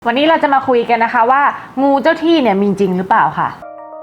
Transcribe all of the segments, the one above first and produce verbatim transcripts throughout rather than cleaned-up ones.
วันนี้เราจะมาคุยกันนะคะว่างูเจ้าที่เนี่ยมีจริงหรือเปล่าค่ะ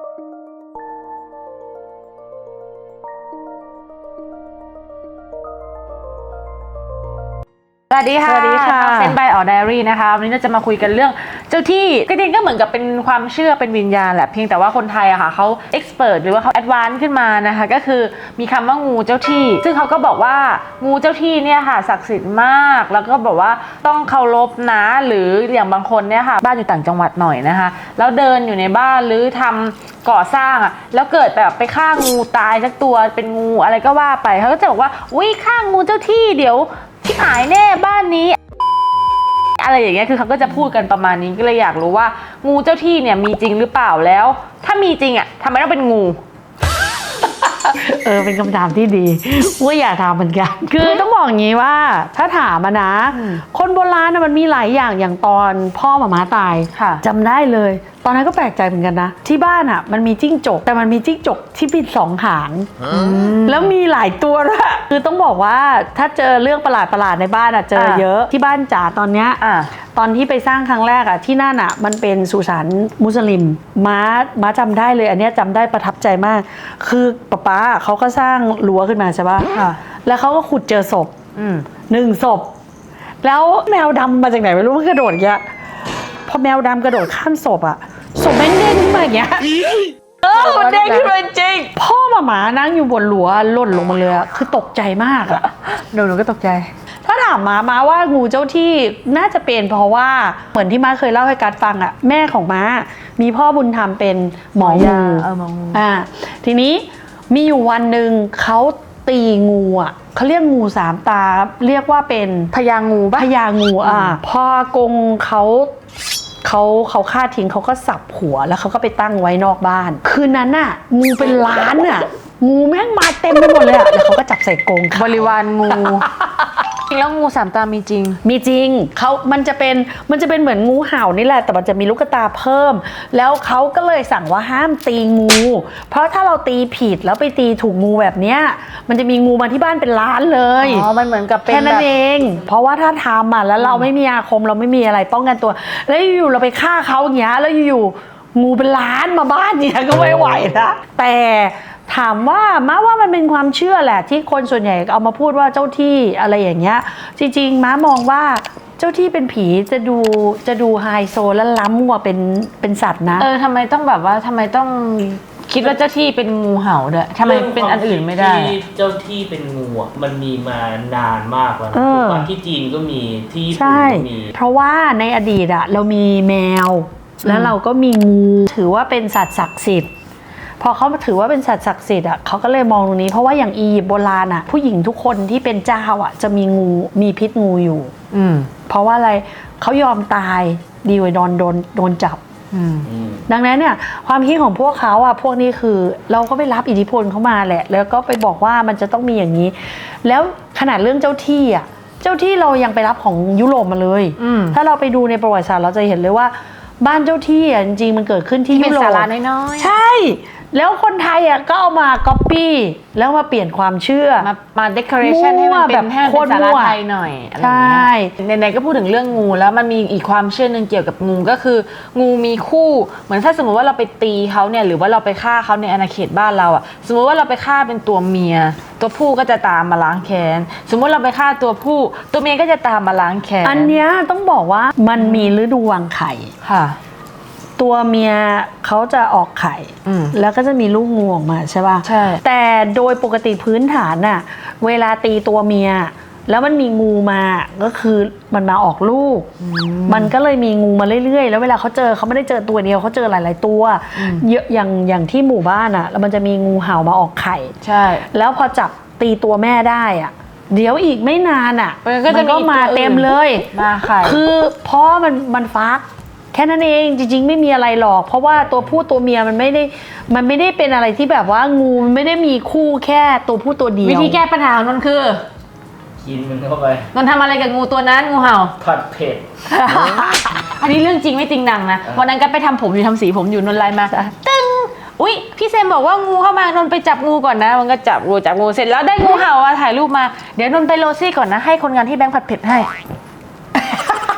สวัสดีค่ะสวัสดีค่ะเซนบายออไดอารี่นะคะวันนี้เราจะมาคุยกันเรื่องเจ้าที่ก็จริงก็เหมือนกับเป็นความเชื่อเป็นวิญญาณแหละเพียงแต่ว่าคนไทยอะค่ะเขาเอ็กซ์เพรสหรือว่าเขาแอดวานซ์ขึ้นมานะคะก็คือมีคำว่างูเจ้าที่ซึ่งเขาก็บอกว่างูเจ้าที่เนี่ยค่ะศักดิ์สิทธิ์มากแล้วก็บอกว่าต้องเคารพนะหรืออย่างบางคนเนี่ยค่ะบ้านอยู่ต่างจังหวัดหน่อยนะคะแล้วเดินอยู่ในบ้านหรือทำก่อสร้างอะแล้วเกิดแบบไปฆ่างูตายสักตัวเป็นงูอะไรก็ว่าไปเขาก็จะบอกว่าอุ้ยฆ่างูเจ้าที่เดี๋ยวที่หายแน่บ้านนี้อะไรอย่างเงี้ยคือเขาก็จะพูดกันประมาณนี้ก็เลยอยากรู้ว่างูเจ้าที่เนี่ยมีจริงหรือเปล่าแล้วถ้ามีจริงอ่ะทำไมต้องเป็นงูเออเป็นคำถามที่ดีว่าอยากถามเหมือนกันคือต้องบอกอย่างนี้ว่าถ้าถามมานะคนโบราณมันมีหลายอย่างอย่างตอนพ่อหม่าม้าตายจำได้เลยตอนนั้นก็แปลกใจเหมือนกันนะที่บ้านอ่ะมันมีจิ้งจกแต่มันมีจิ้งจกที่มีสองหางแล้วมีหลายตัวด้วยคือต้องบอกว่าถ้าเจอเรื่องประหลาดประหลาดในบ้านอ่ะเจอเยอะที่บ้านจ๋าตอนเนี้ยตอนที่ไปสร้างครั้งแรกอ่ะที่นั่นอ่ะมันเป็นสุสานมุสลิมม้าม้าจำได้เลยอันเนี้ยจำได้ประทับใจมากคือป๊าป๊าเขาก็สร้างรั้วขึ้นมาใช่ป่ะแล้วเขาก็ขุดเจอศพหนึ่งศพแล้วแมวดำมาจากไหนไม่รู้มันกระโดดอย่างเงี้ยพอแมวดำกระโดดข้ามศพอ่ะศพแม่งเด้งขึ้นมาอย่างเงี้ยเออมันเด้งขึ้นมาจริงพ่อหมาหมานั่งอยู่บนรั้วหล่นลงมาเลยอะคือตกใจมากอะหนูหนูก็ตกใจถ้าถามมาม้าว่างูเจ้าที่น่าจะเป็นเพราะว่าเหมือนที่ม้าเคยเล่าให้กัดฟังอะแม่ของม้ามีพ่อบุญธรรมเป็นหมองูเออหมองูอ่าทีนี้มีอยู่วันหนึ่งเขาตีงูอ่ะเขาเรียกงูสามตาเรียกว่าเป็นพญางูปะพญางูอ่ะพอกงเขาเขาเขาฆ่าทิ้งเขาก็สับหัวแล้วเขาก็ไปตั้งไว้นอกบ้านคืนนั้นน่ะงูเป็นล้านอ่ะงูแม่งมาเต็มไปหมดเลยอ่ะแล้วเขาก็จับใส่กรงบริวารงูแล้วงูสามตามีจริงมีจริงเขามันจะเป็นมันจะเป็นเหมือนงูเห่านี่แหละแต่มันจะมีลูกตาเพิ่มแล้วเขาก็เลยสั่งว่าห้ามตีงูเพราะถ้าเราตีผิดแล้วไปตีถูกงูแบบเนี้ยมันจะมีงูมาที่บ้านเป็นล้านเลยอ๋อมันเหมือนกับเป็นแค่นั้นเองเพราะว่าถ้าทำอ่ะแล้วเราไม่มีอาคมเราไม่มีอะไรป้องกันตัวแล้วอยู่เราไปฆ่าเขาอย่างเงี้ยแล้วอยู่งูเป็นล้านมาบ้านเนี่ยก็ไม่ไหวนะแต่ถามว่าม้าว่ามันเป็นความเชื่อแหละที่คนส่วนใหญ่เอามาพูดว่าเจ้าที่อะไรอย่างเงี้ยจริงๆม้ามองว่าเจ้าที่เป็นผีจะดูจะดูไฮโซและล้ำกว่าเป็นเป็นสัตว์นะเออทำไมต้องแบบว่าทำไมต้องคิดว่าเจ้าที่เป็นงูเห่าด้วยทำไมเป็นอันอื่นไม่ได้ที่เจ้าที่เป็นงูอ่ะมันมีมานานมากแล้วนะที่จีนก็มีที่ญี่ปุ่นก็มีเพราะว่าในอดีตอะเรามีแมวแล้วเราก็มีงูถือว่าเป็นสัตว์ศักดิ์สิทธิ์พอเขาถือว่าเป็นสัตว์ศักดิ์สิทธิ์อ่ะเขาก็เลยมองตรงนี้เพราะว่าอย่างอียิปต์โบราณอ่ะผู้หญิงทุกคนที่เป็นเจ้าอ่ะจะมีงูมีพิษงูอยู่อืมเพราะว่าอะไรเขายอมตายดีกว่าโดนโดนโดนจับดังนั้นเนี่ยความคิดของพวกเขาอ่ะพวกนี้คือเราก็ไปรับอิทธิพลเข้ามาแหละแล้วก็ไปบอกว่ามันจะต้องมีอย่างนี้แล้วขนาดเรื่องเจ้าที่อ่ะเจ้าที่เรายังไปรับของยุโรปมาเลยถ้าเราไปดูในประวัติศาสตร์เราจะเห็นเลยว่าบ้านเจ้าที่อ่ะจริงๆมันเกิดขึ้นที่ยุโรปศาลาน้อยๆใช่แล้วคนไทยอ่ะก็เอามาก๊อปปี้แล้วมาเปลี่ยนความเชื่อมามาเดคอเรชั่นให้มันเป็นให้เป็นศาลาไทยหน่อยใช่ไหนๆก็พูดถึงเรื่องงูแล้วมันมีอีกความเชื่อนึงเกี่ยวกับงูก็คืองูมีคู่เหมือนถ้าสมมติว่าเราไปตีเขาเนี่ยหรือว่าเราไปฆ่าเขาในอาณาเขตบ้านเราอ่ะสมมติว่าเราไปฆ่าเป็นตัวเมียตัวผู้ก็จะตามมาล้างแค้นสมมติเราไปฆ่าตัวผู้ตัวเมียก็จะตามมาล้างแค้นอันเนี้ยต้องบอกว่ามันมีฤดูวางไข่ค่ะตัวเมียเขาจะออกไข่แล้วก็จะมีลูกงูออกมาใช่ป่ะใช่แต่โดยปกติพื้นฐานน่ะเวลาตีตัวเมียแล้วมันมีงูมาก็คือมันมาออกลูกมันก็เลยมีงูมาเรื่อยๆแล้วเวลาเขาเจอเขาไม่ได้เจอตัวเดียวเขาเจอหลายๆตัวเยอะอย่างอย่างที่หมู่บ้านอ่ะแล้วมันจะมีงูเห่ามาออกไข่ใช่แล้วพอจับตีตัวแม่ได้อ่ะเดี๋ยวอีกไม่นานอ่ะมันก็มาเต็มเลยมาไข่คือเพราะมันมันฟักแค่นั้นเองจริงๆไม่มีอะไรหรอกเพราะว่าตัวผู้ตัวเมียมันไม่ได้มันไม่ได้เป็นอะไรที่แบบว่างูมันไม่ได้มีคู่แค่ตัวผู้ตัวเดียววิธีแก้ปัญหาของนนคือกินมันเข้าไปนนทำอะไรกับงูตัวนั้นงูเห่าผัดเผ็ดอันนี้เรื่องจริงไม่จริงหนังนะวันนั้นก็ไปทำผมอยู่ทำสีผมอยู่นนไลน์มาตึ้งอุ๊ยพี่เซมบอกว่างูเข้ามานนไปจับงูก่อนนะมันก็จับงูจับงูเสร็จแล้วได้งูเห่าถ่ายรูปมาเดี๋ยวนนไปโรซี่ก่อนนะให้คนงานที่แบงค์ผัดเผ็ดให้กลับ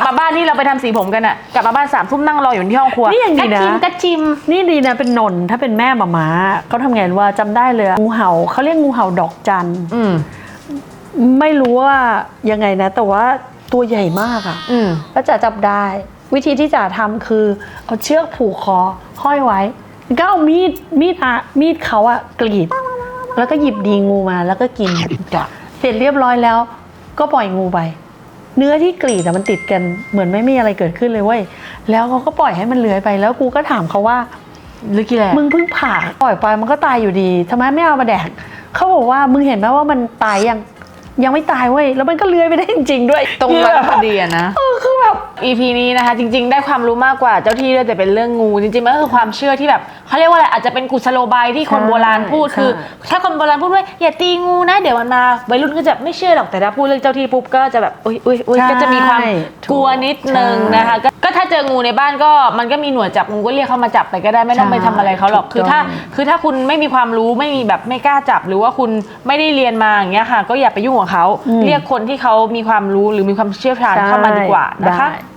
มาบ้านที่เราไปทำสีผมกันอะกลับมาบ้านสามทุ่มนั่งรออยู่ที่ห้องครัวนี่ยังดีนะกระจิมกระจิมนี่ดีนะเป็นนนท์ถ้าเป็นแม่หมาม้าเขาทำไงว่าจำได้เลยงูเห่าเขาเรียกงูเห่าดอกจันอืมไม่รู้ว่ายังไงนะ แต่ว่าตัวใหญ่มากอะอืมแล้วจ๋าจับได้ วิธีที่จ๋าทำคือเอาเชือกผูกคอห้อยไว้ก็เอามีดมีดอะมีดเขาอะกรีด แล้วก็หยิบดีงูมาแล้วก็กินจ้ะเสร็จเรียบร้อยแล้ว ก็ปล่อยงูไป เนื้อที่กรีดอะมันติดกันเหมือนไม่มีอะไรเกิดขึ้นเลยเว้ยแล้วเขาก็ปล่อยให้มันเลื้อยไปแล้วกูก็ถามเขาว่าหรือกี่แหละมึงเพิ่งผ่าปล่อยไปมันก็ตายอยู่ดีทำไมไม่เอามาแดกเขาบอกว่ามึงเห็นไหมว่ามันตายยังยังไม่ตายเว้ยแล้วมันก็เลื้อยไปได้จริงๆด้วยตรงนั้นพอดีอะนะเออคือแบบอี พี นี้นะคะจริงๆได้ความรู้มากกว่าเจ้าที่ด้วยแต่เป็นเรื่องงูจริงๆมันก็คือความเชื่อที่แบบเขาเรียกว่าอะไรอาจจะเป็นกุศโลบายที่คนโบราณพูดใช่คือ ถ้าคนโบราณพูดว่าอย่าตีงูนะเดี๋ยวมันมาวัยรุ่นก็จะไม่เชื่อหรอกแต่ถ้าพูดเรื่องเจ้าที่ปุ๊บก็จะแบบอุ้ยอุ้ยอุ้ยก็จะมีความกลัวนิดนึงนะคะก็ก็ถ้าเจองูในบ้านก็มันก็มีหน่วยจับงูก็เรียกเขามาจับไปก็ได้ไม่ต้องไปทำอะไรเขาหรอกคือถ้าคือถ้าคุณไม่มีความรู้ไม่มีแบบไม่กล้าจับหรือว่าคุณไม่ได้เรียนมาอย่างเงี้ยค่ะก็อย่าไปยุ่งกับเขาเรียกคนที่เขามีความรู้หรือมีความเชี่ยวชาญเข้ามาดีกว่านะคะได้